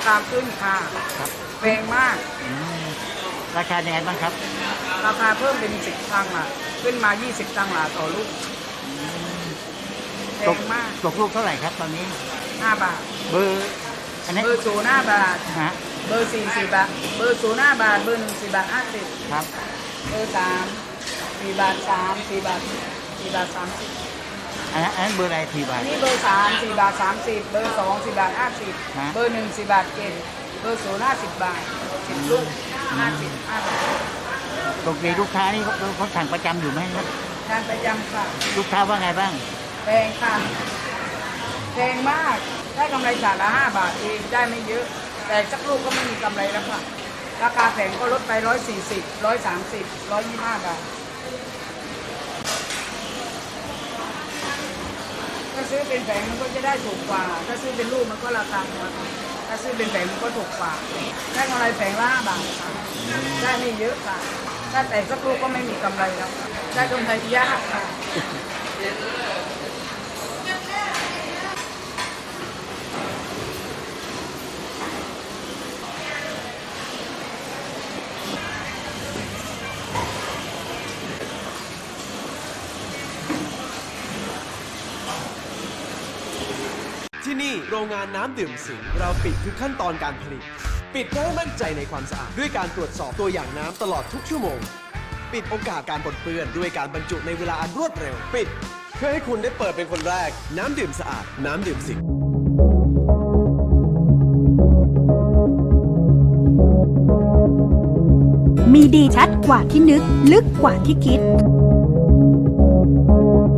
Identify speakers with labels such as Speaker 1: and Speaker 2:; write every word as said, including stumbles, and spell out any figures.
Speaker 1: คาขึ้นค่ะ
Speaker 2: ครับ
Speaker 1: แพงมาก
Speaker 2: อืมราคายังไงบ้างครับ
Speaker 1: ราคาเพิ่มเป็นสิบตังค์ละขึ้นมายี่สิบตังค์ละต่อลูกแพ
Speaker 2: ตก
Speaker 1: งมาก
Speaker 2: ตกลูกเท่าไหร่ครับตอนนี้
Speaker 1: ห้าบาท
Speaker 2: เบอร์อันนี้
Speaker 1: เบอร์ศูนย์ห้าบาท
Speaker 2: ฮะ
Speaker 1: เบอร์สี่สี่บาทเบอร์ศูนย์ห้าบาทเบอร์หนึ่งสี่บาทห้าสิบ
Speaker 2: ครับ
Speaker 1: เบอร์สามสี่บาทสามสี่บาทสี่บาทสามสิบ
Speaker 2: อันนั้นอันนั้นเบอร์อะไรทีบา
Speaker 1: อั
Speaker 2: ท
Speaker 1: นนี้เบอร์สามสี่บาทสามสิบเบอร์สองสี่บาทห้าสิบ
Speaker 2: ฮะ
Speaker 1: เบอร์หนึ่งสี่บาทเจ็ดเบอร์ศูนย์ห้าสิบบาทสิบลูกห้าสิบห้าบาท
Speaker 2: ปกติลูกค้านี่เขาเขาสั่งประจำอยู่ไหมครับ
Speaker 1: งานประจำค่ะ
Speaker 2: ลูกค้าว่าไงบ้าง
Speaker 1: แพงค่ะแพงมากได้กำไรจานละห้าบาทเองได้ไม่เยอะ แต่สักลูกก็ไม่มีกำไรแล้วค่ะราคาแผงก็ลดไปร้อยสี่สิบร้อยสามสิบร้อยยี่ห้าบาทถ้าซื้อเป็นแผงมันก็จะได้ถูกกว่า ถ้าซื้อเป็นลูกมันก็ราคาถูกถ้าซื้อเป็นแผงมันก็ถูกกว่าได้กำไรแผงละห้าบาทค่ะได้ไม่เยอะค่ะถ้าแต่สักลูกก็ไม่มีกำไรแล้วค่ะได้กำไรยากค่ะ
Speaker 3: ที่นี่โรงงานน้ำดื่มสิงห์เราปิดทุกขั้นตอนการผลิต ปิดเพื่อให้มั่นใจในความสะอาดด้วยการตรวจสอบตัวอย่างน้ำตลอดทุกชั่วโมง ปิดโอกาสการปนเปื้อนด้วยการบรรจุในเวลาอันรวดเร็ว ปิดเพื่อให้คุณได้เปิดเป็นคนแรก น้ำดื่มสะอาด น้ำดื่มสิงห์
Speaker 4: มีดีชัดกว่าที่นึกลึกกว่าที่คิด